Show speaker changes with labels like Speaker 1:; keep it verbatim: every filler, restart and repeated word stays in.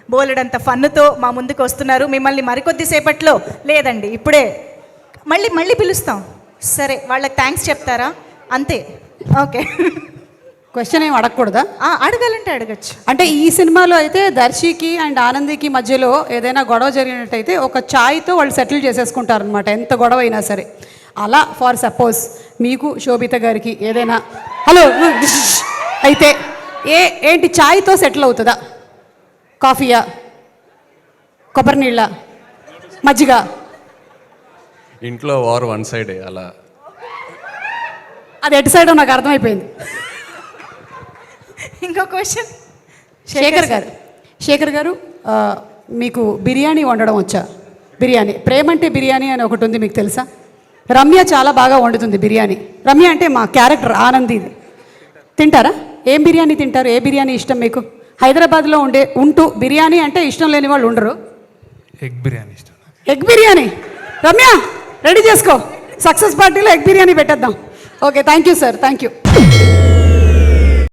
Speaker 1: బోలెడంత ఫన్నుతో మా ముందుకు వస్తున్నారు. మిమ్మల్ని మరికొద్దిసేపట్లో లేదండి ఇప్పుడే మళ్ళీ మళ్ళీ పిలుస్తాం. సరే వాళ్ళకి థ్యాంక్స్ చెప్తారా? అంతే. ఓకే.
Speaker 2: క్వశ్చన్ ఏం అడగకూడదా?
Speaker 1: అడగాలంటే అడగచ్చు.
Speaker 2: అంటే ఈ సినిమాలో అయితే దర్శికి అండ్ ఆనందికి మధ్యలో ఏదైనా గొడవ జరిగినట్టయితే ఒక ఛాయ్తో వాళ్ళు సెటిల్ చేసేసుకుంటారనమాట, ఎంత గొడవ అయినా సరే. అలా ఫర్ సపోజ్ మీకు శోభిత గారికి ఏదైనా హలో అయితే ఏ ఏంటి ఛాయ్తో సెటిల్ అవుతుందా? కాఫీయా, కొబ్బరి నీళ్ళ, మజ్జిగ?
Speaker 3: ఇంట్లో వార్ వన్ సైడే అలా.
Speaker 2: అది ఎటు సైడో నాకు అర్థమైపోయింది.
Speaker 1: ఇంకో క్వశ్చన్
Speaker 2: శేఖర్ గారు. శేఖర్ గారు మీకు బిర్యానీ వండడం వచ్చా? బిర్యానీ ప్రేమ అంటే బిర్యానీ అని ఒకటి ఉంది, మీకు తెలుసా? రమ్య చాలా బాగా వండుతుంది బిర్యానీ. రమ్య అంటే మా క్యారెక్టర్ ఆనంది. తింటారా? ఏం బిర్యానీ తింటారు? ఏ బిర్యానీ ఇష్టం మీకు? హైదరాబాద్లో ఉండే ఉంటూ బిర్యానీ అంటే ఇష్టం లేని వాళ్ళు ఉండరు.
Speaker 4: ఎగ్ బిర్యానీ ఇష్టం.
Speaker 2: ఎగ్ బిర్యానీ. రమ్య రెడీ చేసుకో, సక్సెస్ పార్టీలో ఎగ్ బిర్యానీ పెట్టేద్దాం. Okay, thank you sir, thank you.